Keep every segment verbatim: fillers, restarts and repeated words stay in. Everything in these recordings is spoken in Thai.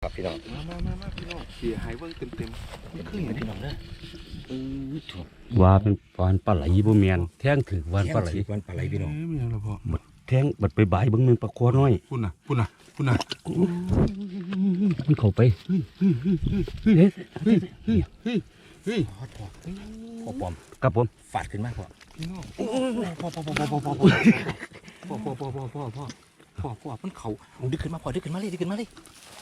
ครับพี่น้องมามามามาพี่น้องเสียหายเบิ้งเต็มเต็มนี่คืออย่างพี่นี้น้องเด้อเออถูกว่าเป็นวานปลาไหลบ่แม่นแท่งถือวานปลาไหลวันปลาไหลพี่น้องเอ้ยไม่เอาละพ่อบัดแท่งบัดไปบ่ายเบิ่งนึงปลาคอน้อยพุ่นน่ะพุ่นน่ะพุ่นน่ะมันเข้าไปเฮ้ยเฮ้ยเฮ้ยเฮ้ยพ่อพ่อพ่อปอมครับผมฝาดขึ้นมากพ่อพี่น้องพ่อพ่อพ่อพ่อพ่อพ่อพ่อพ่อพ่อพ่อพ่อพ่อพ่อพ่อพ่อมันเขาดึกขึ้นมาพ่อดึกขึ้นมาเลยดึกขึ้นมาเลย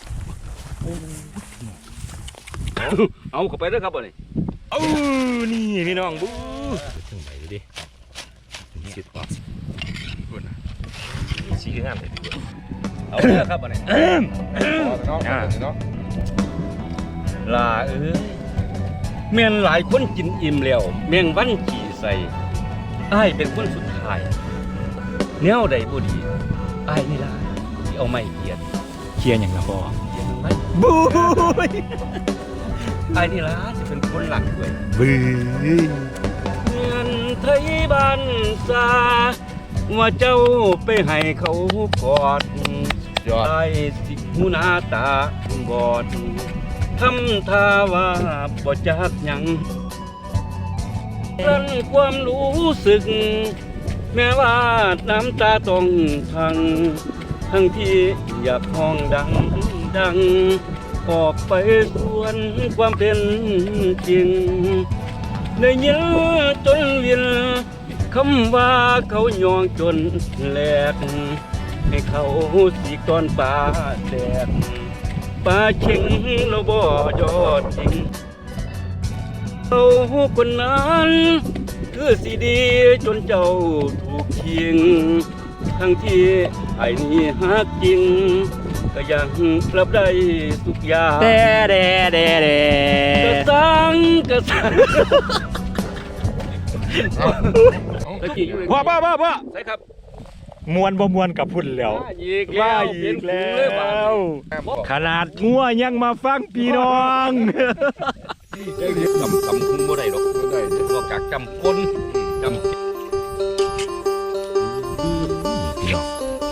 เอาเข้าไปเด้อครับบ่นี่เออนี่พี่น้องบู๊ถึงไหนดูดิสิบกว่าพุ่นน่ะสีงามเลยพี่เอาเด้อครับบ่นี่พ่อเนาะเนาะลาเอ้ยแม่นหลายคนกินอิ่มแล้วแมงวันขี่ใส่อ้ายเป็นคนสุดท้ายแนวใดบ่ดีอ้ายนี่ล่ะที่เอาไม้เกียดเคลียร์อย่างละพ่อเกียดมันไว้บู๊ยอ้ายนี่ล่ะจะเป็นคนหลักด้วยบู๊ยเงินไทยบ้านซาว่าเจ้าไปให้เขากอดยอดไอ้สิหูหน้าตาบอดทำท่าว่าบ่จักหยังรันความรู้สึก แม้ว่าน้ำตาต้องพัง ทั้งที่อยากห้องดังดัง ออกไปสวนความเป็นจริงได้ยินจนเวียนคำว่าเขายองจนแหลก ให้เขาสีก้อนปลาแดดปลาเข่งเราบ่ยอดจริงเขาคนนั้นคือสีดีจนเจ้าถูกทิ้งทั้งที่ไอ้นี่ฮักจริง ก็ยังรับได้ทุกอย่างเด้เด้เด้เด้กระสังกระสังตะกี้อยู่พ่อพ่อพ่อพ่อใช่ครับมวนบ่มวนกับพุ่นแล้วว่าอีกว่าแล้วอีกแล้เป็นฝูงเยว บาดขนาดงัวยังมาฟังพี่น้องจำจำคุ้มบ่ได้หรอกบ่ได้เด้อนอกจากจำคนจำพี่น้อง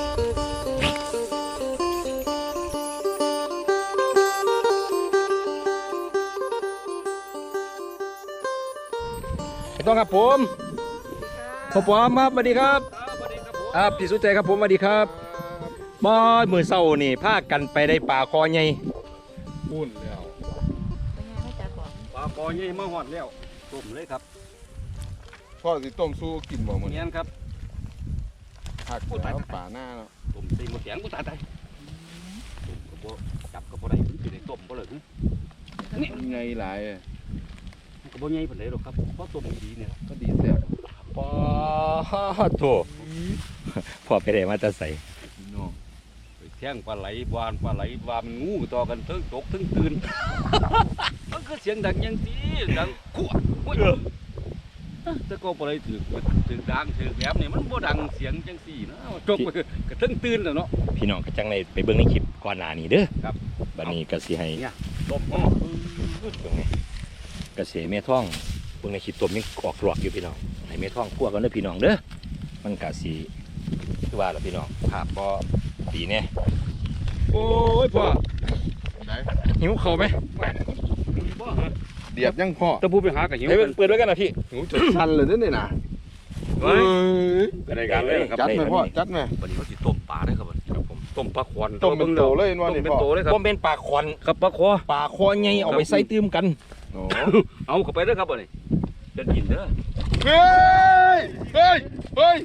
ต้องครับผมพ่อปอมครับสวัสดีครับครับพี่สุใจครับผมสวัสดีครับบ่มือเศร้านี่พากันไปได้ป่าคอใหญ่พุ่นแล้วปลาคอใหญ่มาหอดแล้วต้มเลยครับพ่อสิต้มสู้กินบ่มื้อเนีนี้ยนครับผักแล้วป่าหน้าเนาะต้มใส่หมดแข็งกูตายตายต้มก็บ่จับก็บ่ได้สิได้ต้มบ่เลยนี่มันไงหลายอะมันก็บ่ใหญ่ปานใดหรอกครับเพราะต้มดีๆเนี่ยก็ดีแซ่บปอโถพ่อไปได้มาจะใส่พี่น้องไปแท่งปลาไหลวานปลาไหลวานมันงูต่อกันเทั้งตกเทั้งตื่น มันคือเสียงดังอยังที่ดังคั่วโอ้ยแต่ก็ปลาไหลถือถือดังถือแหลมนี่มันบ่ดังเสียงจังซี่นะจกไปก็เทั้งตื่นแล้วเนาะพี่น้องก็จังในไปเบิ่งในคลิปก่อนหน้านี้เด้อครับบัดนี้ก็สิให้เนี่ยต้มอ้อเบิ่งไงกระเสแม่ท้องเบิ่งในคลิปตัวยังออกหลอกอยู่พี่น้องให้แม่ท้องคั่วกันเด้อพี่น้องเด้อมันก็สิคือว่าล่ะพี่น้องภาพบ่ดีแน่โอ้ยพ่อได้หิวข้าวไหมบ่ฮะเดียดยังพ่อตะปูไปหากับหิวเฮ้ยกันเปิดไว้กันนะพี่หูจดชันเลยนี่น่ะไว้เอ้ยก็ได้การเลยครับจัดไหมพ่อจัดไหมวันนี้เขาสิต้มปลาได้ครับครับผมต้มปลาควันต้มเป็นโตเลยว่าต้มนี่เป็นพ่อโตเลยครับผมเป็นปลาคอนครับปลาคอปลาคอใหญ่เอาไปใส่ตื้มกันโอ้เอาเข้าไปเด้อครับบ่นี่เดินกินเด้อเฮ้ยเฮ้ยเฮ้ย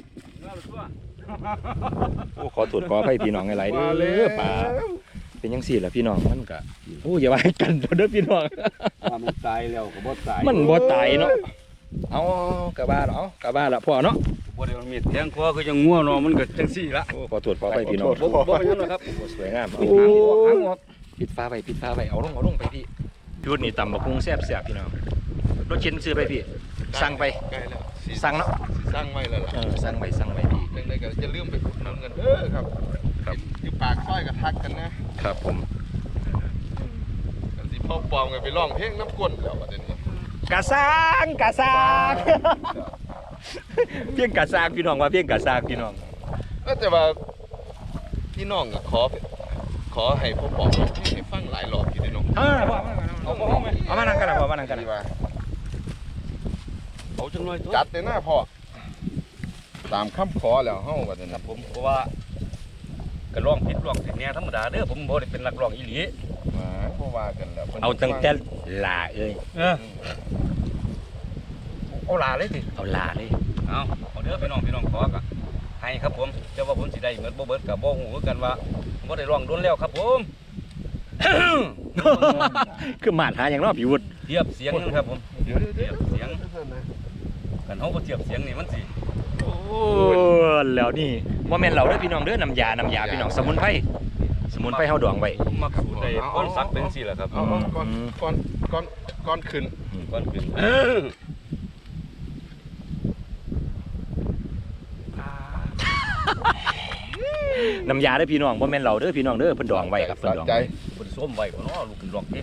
โอ้ขอตรวจขอให้พี่น้องหลายๆเด้มาแล้อวปลาเป็นยังสี่ล่ะพี่น้องมันก็โอ้อย่าว่าให้กันเด้อพี่น้องว่ามันตายแล้วก็บ่ตายมันบ่ตายเนาะเอากะบ้าเนาะกะบ้าละพ่อเนาะบ่ได้มันมีแทงคอคือจังงัวเนาะมันก็จังซี่ละโอ้ขอตรวจขอให้พี่น้องบ่บ่เป็นหยังหรอกครับโอ้สวยงามโอ้เอาหางออกปิดฟ้าไว้ปิดฟ้าไว้เอาลงเอาลงไปพี่ชุดนี้ตำบักหุ่งแซ่บๆพี่น้องรถเข็นซื้อไปพี่สั่งไปใกล้แล้วสิสั่งเนาะสิสั่งไว้แล้วล่ะเออสั่งไว้สั่งไว้พี่จังไดก็จะลืมไปอุดหนุนกันเด้อครับครับอยู่ปากซอยก็ทักกันนะครับผมกันสิพ่อปอมกันไปร้องเพลงน้ำก้นแล้วบัดนี้กะซางกะซางเพียงกะซางพี่น้องว่าเพียงกะซางพี่น้องเออแต่ว่าพี่น้องก็ขอ ขอให้พ่อปอมร้องเพลงให้ฟังหลายนั่นกันดีว่าเอาจังหน่อยตัวจัดเลยนะพ่อตามคำขอแล้วเฮาบัดนี้ครันะบผมเพราะว่าก็ร้องผิดร้องผิดแน่ธรรมดาเด้อผมบ่ได้เป็นนักร้องอีหลีมาบ่ว่ากันแล้วพิ่นเอาตั้งแต่ลาเอ้ยเออเอาลาเลยสิเอาลาเลยเอาเอาเด้อพี่น้องพี่น้องขอกะให้ครับผมเจ้าว่าผมสิได้เหมือนบ่เบิดกับบ่ฮู้คือกันว่าบ่ได้ร้องโดนแล้วครับผมคือมาดหาอย่างเนาะพี่วุฒิเทียบเสียงนั่นครับผมเดี๋ยวเดี๋ยวเทียบเสียงกันเฮาบ่เทียบเสียงนี่มันสิโอ้แล้วนี่บ่แม่นเราเด้อพี่น้องเด้อน้ำยาน้ำยาพี่น้องสมุนไพรสมุนไพรเฮาดองไว้ผมมักสูตรได้ก้อนซักเป็นจังซี่แหละครับเอาเอาก่อนก่อนก่อนก่อนขึ้นก้อนขึ้นน้ำยาเด้อพี่น้องบ่แม่นเราเด้อพี่น้องเด้อเพิ่นดองไว้ครับเพิ่นดองใจไว้เพิ่นส้มไว้บ่เนาะลูกขึ้นร้องเด้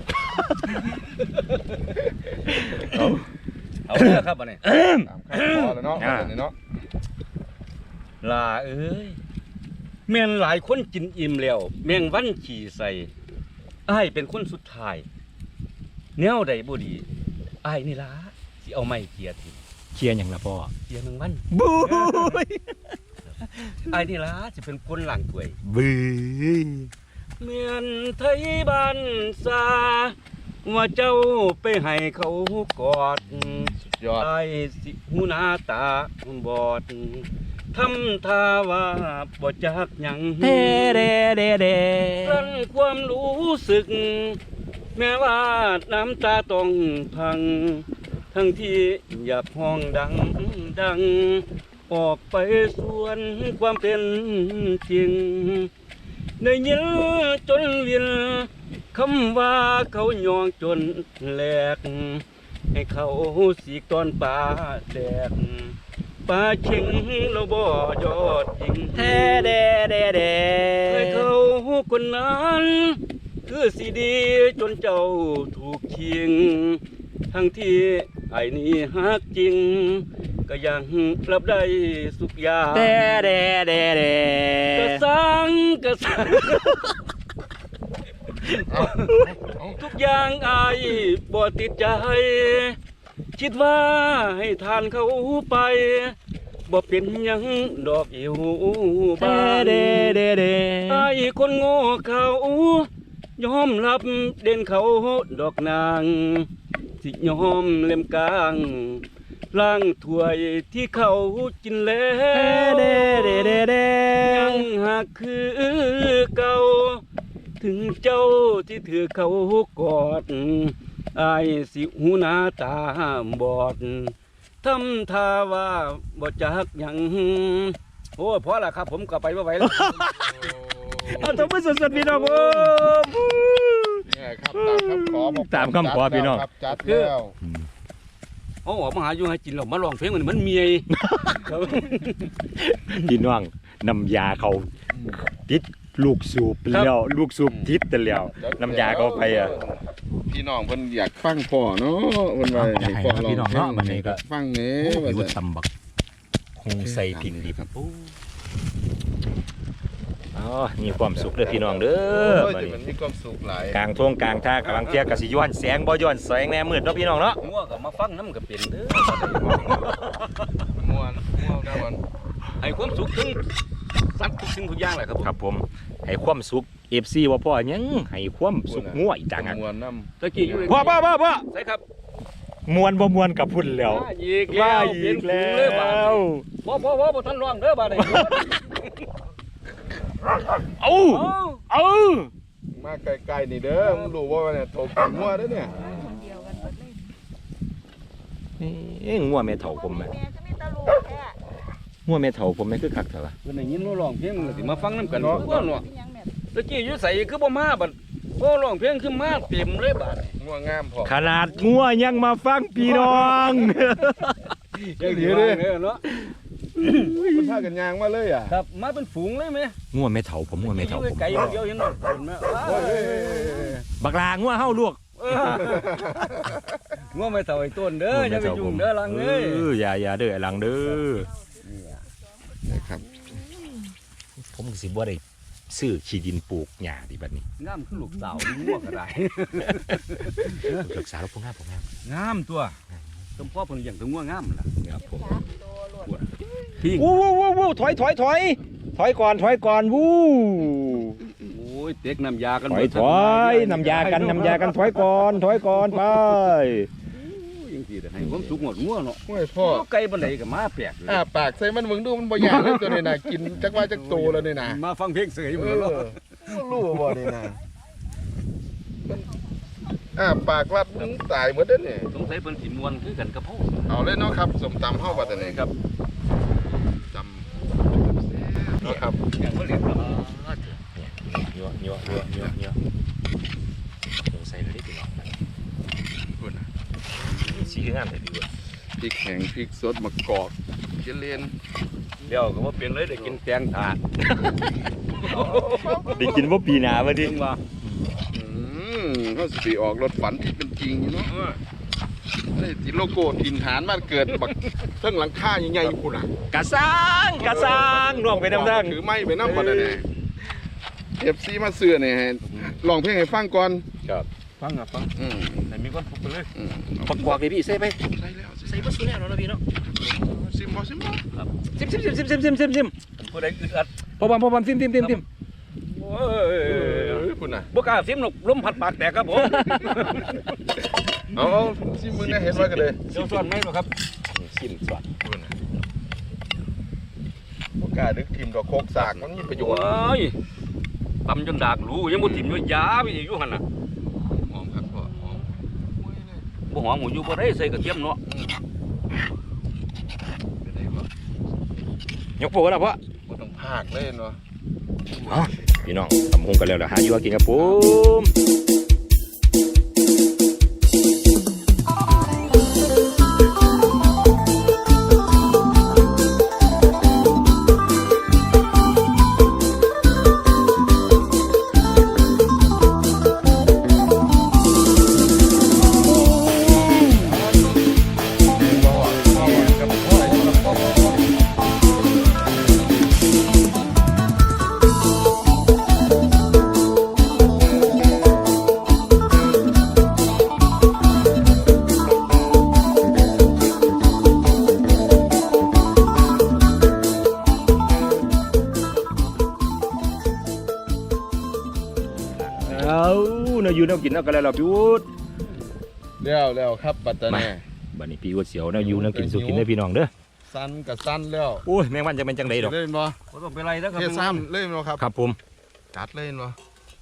เอาเอาเด้อครับบัดนี้ตามคำขอแล้วเนาะบัดนี้เนาะลาเอ้ยแม่นหลายคนกินอิ่มแล้วแมงวันขี่ใส่อ้ายเป็นคนสุดท้ายแนวใดบ่ดีอ้ายนี่ล่ะสิเอาไม้เกียร์ทิ่มเคลียร์หยังล่ะพ่อเกียร์แมงวันบูยอ้ายนี่ล่ะสิเป็นคนล้างถ้วยบูยเมียนไทยบ้านซาว่าเจ้าไปให้เขากอดสุดยอดไอ้สิหูหน้าตาบอดทำท่าว่าบ่จักหยังเดเดเดเดกลั้นความรู้สึก แม้ว่าน้ำตาต้องพัง ทั้งที่อยากห้องดังดัง ออกไปส่วนความเป็นจริงได้ยินจนเวียนคำว่าเขายองจนแหลก ให้เขาสีกตอนป่าแดกป่าเชิงเราบ่ยอดยิงเดเดเดเดให้เขาคนนั้นคือสีดีจนเจ้าถูกชิง ทั้งที่ไอ้นี่ฮักจริง ก็ยังรับได้สุขอยางเดเดเดเดกระสังกระสังเอาเอาทุกอย่างอายบ่ติดใจ คิดว่าให้ทานเขาไปบ่เป็นหยังดอกอิวเดบานเดเดเดอายคนโง่เขายอมรับเด่นเขาดอกนางสิยอมเล่มกลางล้างถ้วยที่เขากินแล้เดวเดเดเดยังหากคือเก่า ถึงเจ้าที่ถือเขากอดอายสิหูหน้าตาบอดทำท่าว่าบ่จักหยังโอ้ยพอละครับผมก็ไปบ่ไหวแล้วเอาทำมาสดๆพี่น้องผมเนี่ยครับตามคำขอบอกตามคำขอพี่น้องครับจัดแล้วเอาออกมาหาอยู่ให้กินแล้วมาร้องเพลงมันมันเมียพี่น้องน้ำยาเขาติดลูกสูบแล้วลูกสูบติดแต่แล้วน้ำยาเขาไปอ่ะพี่น้องเพิ่นอยากฟังพ่อเนาะเพิ่นว่าอยากให้ครับพี่น้องเนาะบัดนี้ก็ฟังแหน่โอ้ว่าพี่วุจะฒิตำบักคงใส่พิงดิบอ๋อมีความสุขเด้อพี่น้องเด้อโอ้ยบัดแต่นี้มันมีความสุขหลายกลางทงกลางท่ากำลังเที่ยกสิย้อนแสงบ่ย้อนแสงแน่มืดเนาะพี่น้องเนาะงัวก็มาฟังน้ำก็เป็นเด้อม่วนม่วนม่วนให้ความสุขถึงสัตว์ทุกสิ่งทุกอย่างแหละครับผมครับผมให้ความสุข เอฟ ซี ว่าพ่อหยังให้ความสุขงัวอีกต่างหากม่วนนำตะกี้อยู่พ่อพ่อพ่อพ่อใช่ครับมวนบ่มวนกับพุ่นแล้วมาอีกแล้ว่าว อีกแล้เปยนฝูงเลยบาดวบ่บ่บ่บ่ทันร้องเด้อบาดนี้เอาเอาเอามาใกล้ๆนี่เด้อมึงรู้ว่าเนี่ยโถกินงัวเด้อเนี่ยนี่งัวแม่เฒ่าผมแม่แม่ก็มีตะลูกแค่งัวแม่เฒ่าผมแม่คือคักเถอะวะเพิ่นได้ยินเราร้องเพลงมันก็สิมาฟังน้ำกันทุกคนเนาะเป็นหยังแม่ตะกี้อยู่ใส่คือบ่มาบัดบ่ร้องเพลงคือมาเต็มเลยบาดนี้งัวงามพอขนาดงัวยังมาฟังพี่น้องยังดีเลยเนาะมันพากันยางมาเลยอ่ะครับมาเป็นฝูงเลยไหมงัวแม่เฒ่าผมงัวแม่เฒ่าผมไก่เดียวเห็นบ่เห็นไหมว้าวโอ้ยบักลางัวเฮาลวกเอองัวไม่เท่าไอ้ต้นเด้ออย่าไปยุ่งเด้อลังเอ้ยเอออย่าอย่าเด้อไอ้หลังเด้อนะครับผมก็สิบ่ได้ซื้อขี้ดินปลูกหญ้าดิบัดนี้งามคือลูกสาวงัวก็ได้ศึกษาแล้วพวกงามพวกงามงามตัวสมพ่อเพิ่นอย่างตัวงัวงามล่ะครับผมพี่วู้วู้วู้วู้ถอยถอยถอยถอยก่อนถอยก่อนวู้โอ้ยเต็กน้ำยากันถอยถอยนำยากันนำยากันถอยก่อนถอยก่อนไปยังสิได้ให้ความสุขหมดงัวเนาะโอ้ยพ่อไก่บันไดก็มาแปลกเลยอ่าปากใส่มันมึงดูมันบ่ยากเลยตัวนี้นะกินจักว่าจักโตแล้วนี่นะมาฟังเพลงเสยเอหมดแล้วอรู้บ่นี่นะมันอ่าปากรัดมึงตายหมดเด้อนี่สงสัยเพิ่นสิม่วนคือกันกับเฮาเอาเลยเนาะครับสมตำเฮาบัดนี้ครับจำเนาะครับอย่างบ่เรียกครับยัวยัวยัวยัวยัวสงสัยเลยได้พี่น้องคุณน่ะสีงามเลยพี่เว้ยพริกแห้งพริกสดมะกอกเจเลนเดี๋ยวก็บ่เปลี่ยนเลยได้กินแตงถาดได้กินว่าปีหนามาดิจริงว่าอืมเขาสิออกรถฝันที่เป็นจริงอยู่เนาะนี่ที่โลโก้ถิ่นฐานบ้านเกิดบักเทั้งหลังคาใหญ่ๆคุณน่ะกะซังกะซังน่วงไปน้ำดังถือไม้ไปน้ำบัดนี้เอฟซีมาเสื้อนี่ให้ลองเพลงให้ฟังก่อนครับฟังอ่ะฟังอืมให้มีความสุขไปเลยอืมปักกวากเลยพี่ใส่ไปใช่แล้วใส่บ่สุดแล้วเนาะพี่เนาะซิมบ่ซิมบ่ซิมซิมซิมซิมซิมซิมซิมซิมผู้ใดอึดอัดพอบัมพอบัมซิมซิมซิมซิมโอ้เอย อคุณน่ะบ่กล้าซิมหรอกลมพัดปากแตกครับผมเอาเอาซิมมึงได้เห็นไว้กันเลยเดี๋ยวซ้อนไหมบ่ครับซิมสวัสดคุณน่ะบ่กล้าดึกทีมดอกโคกสากมันมีประโยโอ้ชน์ยตำจนดากรู้ยังบ่ถิ่มอยู่ยาไปอีกอยู่หั่นน่ะหอมครับพ่อหอมบ่หอมหมูอยู่บ่ได้ใส่กระเทียมเนาะเป็นไงบ่ยกโปแล้วพ่อบ่ต้องพากเลยเนาะพี่น้องทำหงกันแล้วเดี๋ยวหาอยู่ว่ากินครับผม เอาเนาะอยู่เนาะกินเนาะกันแล้วเราพี่วุฒิแล้วแล้วครับปัตตานีบัดนี้พี่วุฒิเสียวเนาะอยู่เนาะกินสุกินเด้อพี่น้องเด้อสั้นกับสั้นแล้วโอ้ยแมงวันจะเป็นจังไดดอกเล่นบ่บ่ต้องไปไล่แล้วครับเทซ้ำเล่นบ่ครับครับผมกัดเล่นบ่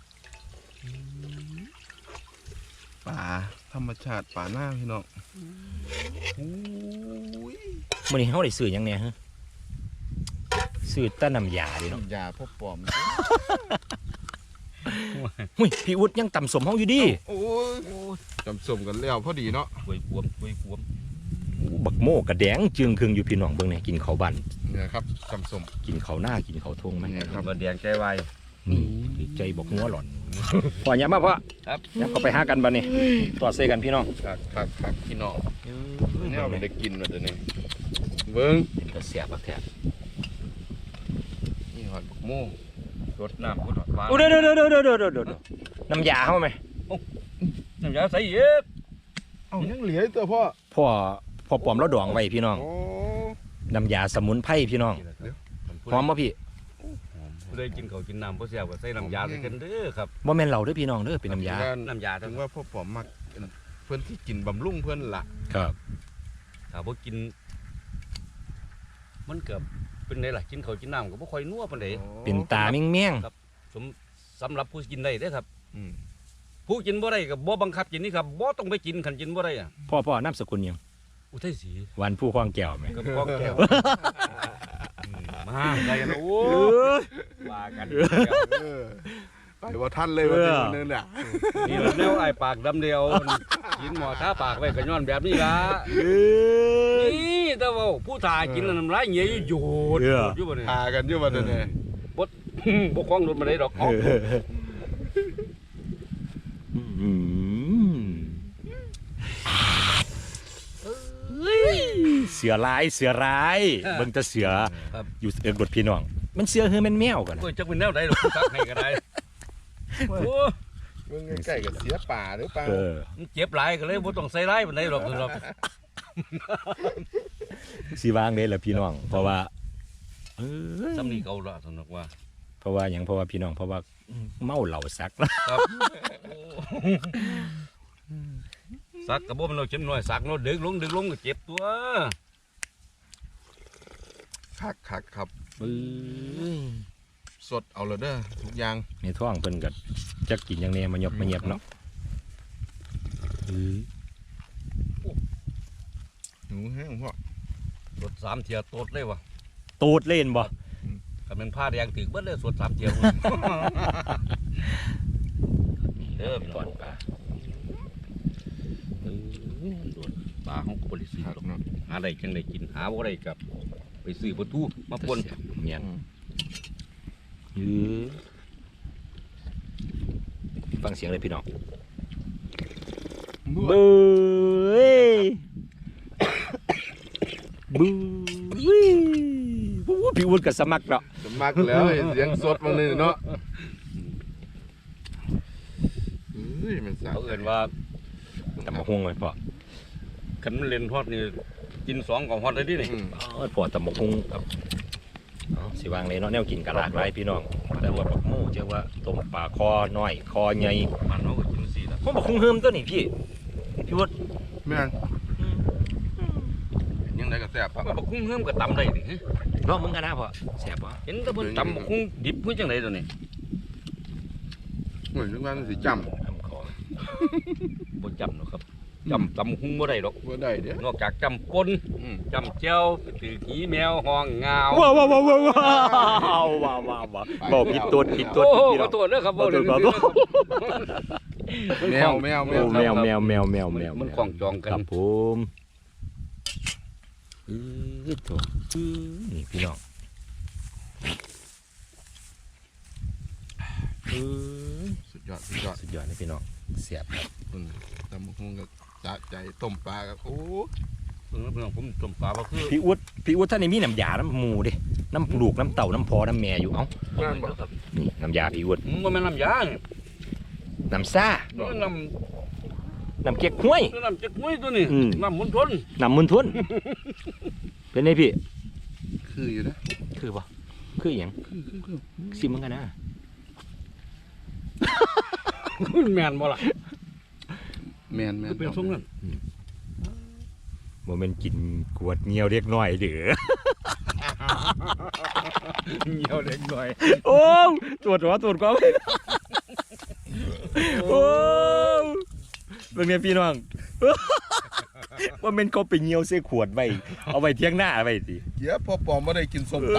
ป่าธรรมชาติป่าหน้าพี่น้องโอ้ยมื้อนี้เฮาได้ซื้อหยังแหน่ฮะซื้อแต้น้ำยาดิเนาะยาพวกปลอมหุ้ยพี่วุฒิยังต่ำสมเฮาอยู่ดิโอ้ยจำสมกันแล้วพอดีเนาะกล้วยกวมกล้วยกวมโอ้บักโม่กระแดงจึงครึ่งอยู่พี่น้องเบิ่งแหน่กินข้าวบ้านเนี่ยครับจำสมกินข้าวหน้ากินข้าวทงมันเนี่ยครับบ่แดงใจไวนี่ใจบอกหัวหล่อนพ่ออย่ามาพ่อครับอย่าเข้าไปหากันบัดนี้ตอดเซกันพี่น้องคักคักคักพี่น้องเนี่ยเอาไปได้กินมาเดี๋ยวนี้เบิ้งเป็นตะเสียบบักแท้นี่หอดบักโม่รดน้ำพุดหวานโอ้เด้อเด้อเด้อเด้อเด้อเด้อเด้อน้ำยาเฮาไหมน้ำยาใส่เยอะเอ้ายังเหลือตัวพ่อพ่อพ่อปลอมแล้วดองไว้พี่น้องโอ้น้ำยาสมุนไพรพี่น้องหอมบ่พี่ผู้ใดกินข้าวกินน้ำบ่แซ่บก็ใส่น้ำยาใส่กันเด้อครับบ่แม่นเหล้าเด้อพี่น้องเด้อเป็นน้ำยาน้ำยาถึทั้งงว่าพ่อปอมมักเพื่อนที่กินบำรุงเพื่อนละครับถ้าบ่กิน มันเกือบเป็นไดล่ะกินข้าวกินน้ำก็บ่ค่อยนัวปานใดเป็นตาเมี่ยงสมสำหรับผู้กินได้เด้อครับอืมผู้กินบ่ได้ก็บ่บังคับกินนี่ครับบ่ต้องไปกินคันกินบ่ได้อ่ะๆพ่อพ่อนามสกุลหยังอุทัยศรีวันผู้คว้างแก้วไหมกับพ่อแก้วอืมมาได้กันโอ้ยว่ากันเออไปว่าท่านเลยว่าเป็นนึงน่ะนี่แนวไอ้ปากดำเดียวกินหมอท้าปากไว้ก็ย้อนแบบนี้ล่ะนี่แต่ว่าผู้ถ่ายกินน้ำลายเหนียวอยู่โยดอยู่บ่เนี่ยพากันอยู่วันนี้บ่คล้องรถมาได้ดอกเอาอืมเสือร้ายเสือร้ายเบิ่งแต่เสืออยู่เอิกรถพี่น้องมันเสือคือมันแมวกันโอ้ยจักเป็นแนวใดหรอกซักให้ก็ได้โอ้มึงใกล้ๆกับเสียป่าหรือเปล่าเออมันเจ็บหลายก็เลยบ่ต้องใส่ร้ายปานใดหรอกหรอกสีวางเลยล่ะพี่น้องเพราะว่าเออซ้ำนี่เก่าละสำนักว่าเพราะว่าอย่างเพราะว่าพี่น้องเพราะว่าเมาเหล่าซักครับซักกระบอกมันเราเจ็บหน่อยซักเราดึงลงดึงลงก็เจ็บตัวคักคักครับปื้ยสดเอาเลยเด้อทุกอย่างในท้องเพิ่นก็จักกินอย่างแนี้มันยบมันเงียบเนาะเออหนูแห้งพ่อสดสามเทียโตดเลยวะตูดเล่นบ่ถ้าเป็นผ้าแดงถึกเบิดเลยสดสามเทีย เด้อพี่น้ก่ออง นปลาปลาของบริสุทคัธิ์กเนาะหาได้จังได้กินหาบ่ได้กับไปซื้อประตูมาปนเมียนเออฟังเสียงเลยพี่น้องบ้บูเอ้ยบูเว้ยบูพี่วุฒิกับสมัครเนาะสมักแล้วเห็นเสียงสดมาเลยเนาะเฮ้ยมันสาเขาเอิ้นว่าแต่มาห่วงเลยพ่อคันมันเล่นฮอดนี่กินสองของฮอดได้ดินี่อืมเออพ่อแต่มาห่วงครับเอาสิวางเลยเนาะแนวกินกะหลากหลายพี่น้องแต่ว่าบักหมูเจ้าว่าต้มปลาคอน้อยคอใหญ่มันเขาก็กินสี่ละผมบอกคงเฮิมตัวนี้พี่พี่วุฒิแม่นยังไงก็แซ่บครับบักคุ้งเฮิมก็ตำได้ดิลองมึงกันนะพ่อแซ่บป่ะเห็นแต่เพิ่นตำบักคุ้งดิบเพิ่นจังไดตัวนี้เหมือนทุกวันมันสิจน้ำคอบ่จำหรอกครับจำตำบักคุ้งบ่ได้ดอกำว่าได้เด้อนอกจากจำปนอืมจำเจ้าถือขี้แมวห้องงาวว้าวว้าวว้าวว้าวว้าวว้าวว้าวว้าวบอกผิดตัวผิดตัวโอ้โหพี่ขน้อองโทษเด้อครับขอโทษครับแมวแมวแมโอ้วแมวแมวแมวแมวแมวมันของจองกันครับผมอือตัวอือนี่พี่น้องอือสุดยอดสุดยอดสุดยอดเลยพี่น้องเสียบครับคุณตำบักหุ่งกับสะใจต้มปลากับโอ้เพิ่นเพิ่นผมต้มปลาบ่คือพี่อุดพี่อุดท่านนี่มีน้ำยาน้ำหมูดิน้ำลูกน้ำเต่าน้ำพอน้ำแม่อยู่เอ้าแม่นบ่ครับนี่น้ำยาพี่อุดมันบ่แม่นน้ำยานี่น้ำซ่ามันน้น้ำเก๊กห้วยำน้ำจักห้วยตัวนี้อืมน้ำมุนทนน้ำมุนทุนเป็นไงพี่คืออยู่นะคือปะคืออหย่างคือคือคือซิมเหมือนกันนะมันแม่นบ่ล่ะแมนแมนคือเป็นทรงนั้นโมเมนกินกวดเงียวเรียกน้อยเด้อเหี่ยวเล็กน้อยโอ้ตรวจหัวตรวจก็ไม่โอ้เรื่องนี้พี่น้อง ว่าเมนเขาไปเงียวเส้ขวดไว้เอาไว้เที่ยงหน้าไว้สิเดี๋ยวพอปอมไม่ได้กินส้มเอตำ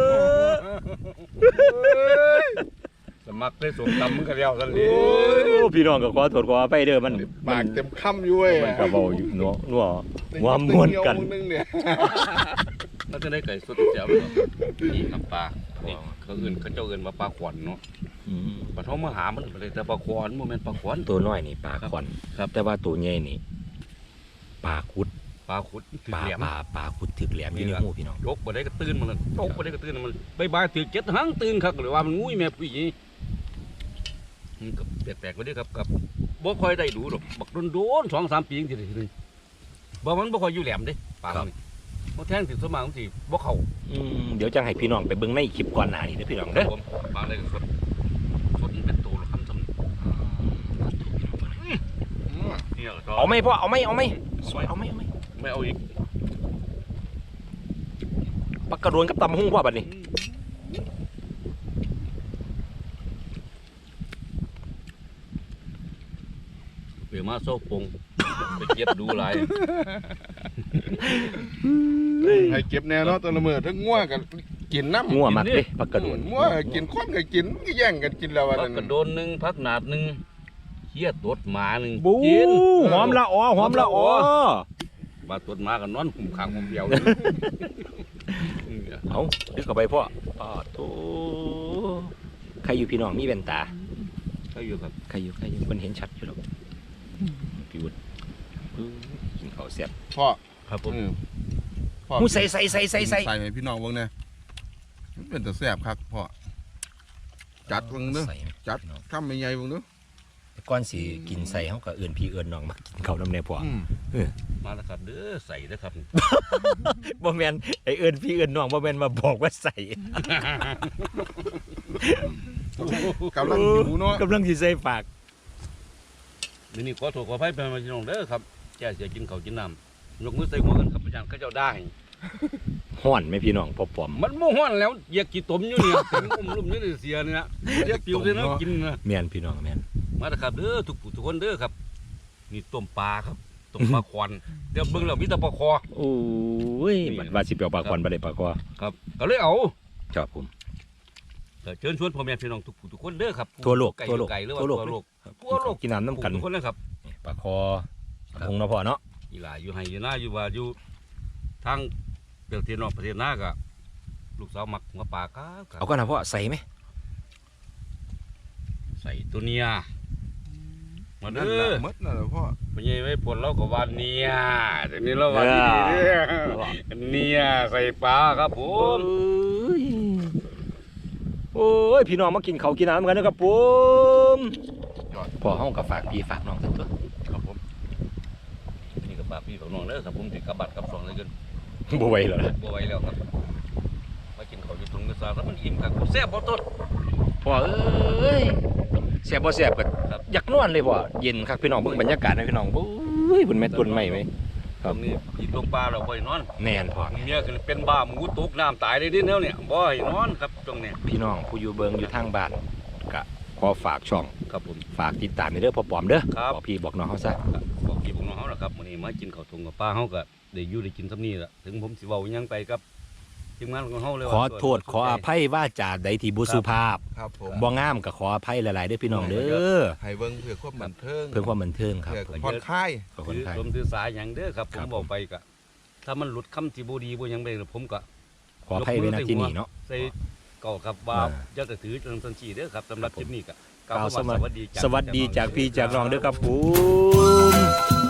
อสมัครได้สมตำมึงก็เลี้ยวซั่นเลโอ้ยพี่น้องก็ขอโทษขอไปเด้อมันปากเต็มคำอยู่เว้ยมันก็เบาอยู่เนาะนัวหัวม้วนกันนึงเนี่ยแล้วจะได้ไก่สดแจ๋วบ่นี่ครับปลานี่เขาเอิ้นเขาเจ้าเอิ้นว่าปลาขวัญเนาะอืมปลาท้องมาหามันบ่ได้แต่ปลาขวัญบ่แม่นปลาขวัญตัวน้อยนี่ปลาขวัญครับแต่ว่าตัวใหญ่นี่ปลาคุดปลาขุดถืปอลาแหลมปลาปลาคุดถึกแหลมอยู่ในหูพี่น้องยกบ่ได้ก็ตื่นมาแล้วยกบ่ได้ก็ตื่นมันบายบายถือเจ็ดหังตื่นคักหรือว่ามันงุ้ยแม่ปุ้ยมันก็แปลกๆไปเด้อครับกับบ่ค่อยได้ดูดอกบักโดนๆสองสามปีจังซี่ทีนึงบ่มันบ่ค่อยอยู่แหลมเด้ปลานี่บ่แทงสิสวนมากมันสิบ่เข้าอืมเดี๋ยวจะให้พี่น้องไปเบิ่งในคลิปก่อนหน้านี้เด้อพี่น้องเด้อผมปลาได้ก็สดสดมันเป็นตัวหรอกคำสำนี่ก็เอาไหมพ่อเอาไหมเอาไหมสวยเอาไหมเอาไหมไม่เอาอีกปลากระโดนกับตำหุ้งพ่อบัดนี้เปมาโซ่ปงไปเก็บดูหลายให้เก็บแนวเนาะตัวละเมือทั้งงัวกันกินน้ำงัวมักเด้ปลากระโดนงัวกินคนก็กินก็แย่งกันกินแล้ววันพักนั้นกระโดนหนึ่งพักหนาดหนึ่งเขี้ยตดหมาหนึ่งบูกินหอมละอ๋อหอมละอ๋อบาตดหมากันนอนหุ่มขางหุ่มเดียวเอาดึกเข้าไปพ่อป้าโตใครอยู่พี่น้องมีแว่นตาก็อยู่กับใครอยู่ใครอยู่คนเห็นชัดอยู่หรอกพี่วุฒิอื้อกินข้าวเสียบพ่อครับผมอืมพ่อหูใส่ใส่ใส่ใส่ใส่ใส่ให้พี่น้องเบิ่งเนี่ยเป็นแต่แซ่บคักพ่อจัดเบิ่งเด้อใส่ไหมจัดพี่น้องคำใหญ่ๆเบิ่งเด้อแต่ก่อนสิกินใส่เฮาก็เอิ้นพี่เอิ้นน้องมากินข้าวน้ำแน่พ่ออืมมาแล้วครับเด้อใส่เด้อครับบ่แม่นไอ้เอิ้นพี่เอิ้นน้องบ่แม่นมาบอกว่าใส่กำลังหิวเนาะกำลังสิใส่ปากเดี๋ยวนี้ขอโทษขออภัยเป็นพี่น้องเด้อครับแก่เสียกินข้าวกินน้ำยกมือใส่หัวกันครับอาจารย์เขาเจ้าได้ฮ้อนไหมพี่น้องพ่อปอมมันโมห้อนแล้วเหยียกกี่ตมอยู่เนี่ยเต็มอุ้มลุ่มนี่เสียเนี่ยเหยียกปิวเลยนะกินนะแม่นพี่น้องแม่นมาแล้วครับเด้อทุกผู้ทุกคนเด้อครับนี่ต้มปลาครับต้มปลาควันเดี๋ยวเบิ่งแล้วมีแต่ปลาคอโอ้ยบัดว่าสิเปียวปากควันบ่ได้ปากคอครับก็เลยเอาครับผมเออเชิญชวนพ่อแม่พี่น้องทุกผู้ทุกคนเด้อครับทั่วโลกไก่ทั่วโลกไก่หรือว่าทั่วโลกทั่วโลกครับทั่วโลกกินน้ำน้ำกันทุกคนเลยครับนี่ปากคอคงเนาะพ่อเนาะอีหลาอยู่ไห้อยู่หน้าอยู่ว่าอยู่ทางประเทศนอกประเทศหน้าก็ลูกสาวมักหัวปลาครับครับเอาก็นะพ่อใส่ไหมใส่ตัวเนียมานั่นเด้แหละอหมดนั่นแหละพ่อไปยัยไว้ผลเราก็ว่าเนียแต่นี้เราว่าดีๆเด้อเนียใส่ปลาครับผโอ้มยโอ้ยพี่น้องมากินข้าวกินน้ำกันนะครับผมยอดพ่อเฮาก็ฝากพี่ฝากน้องสักตัวครับผมนี่กับปลาพี่ของน้องเด้อครับผมติดกับบัตรกับสองเลยกันบ่ไหวแล้วนะบ่ไหวแล้วครับมากินข้าวอยู่ตรงกระซาแล้วมันอิ่มครับแซ่บบ่ต้นพ่อเอ้ยแซ่บบ่แซ่บก็ครับอยากนอนเลยพ่อเย็นครับพี่น้องเบิ่งบรรยากาศนะพี่น้องโอ้ยบนแม่ต้นไม้ไหมตรงนี้อีกลงปลาเราบ่ให้นอนแน่นพ่อเมียคือเป็นบ้าหมูตกน้ำตายเลยดิแนวเนี่ยบ่ให้นอนครับตรงเนี้ยพี่น้องผู้อยู่เบิงอยู่ทางบ้านก็ขอฝากช่องครับผมฝากติดตามในเด้อพ่อปอมเด้อครับบอกพี่บอกน้องเขาซะครับบอกพี่บอกน้องเฮาล่ะครับมื้อนี้มากินข้าวทงกับปลาเฮาก็ได้อยู่ได้กินซำนี้ล่ะถึงผมสิเว้าหยังไปกับทีมงานของเฮาเลยขอโทษขออภัยว่าจาใดที่บุสุภาพครับผมบ่งามก็ขออภัยหลายๆเด้อพี่น้องเด้อให้เบิ่งเพื่อความบันเทิงเพื่อความบันเทิงครับเพื่อผมผ่อนคลายขอบคุถืณอครับลมถือสายหยังเด้อครับผครัมบบอกไปก็ถ้ามันหลุดคำที่บ่ดีบ่หยังไปผมก็ขออภัยไว้ณที่นี่เนาะใส่เก่าครับว่าอ่าอย่าจะถือจนทันทีเด้อครับสำหรับคลิปนี้ก็กล่าวคำสวัสสวัสดีจากสวัสดีจากพี่จากน้องเด้อครับผม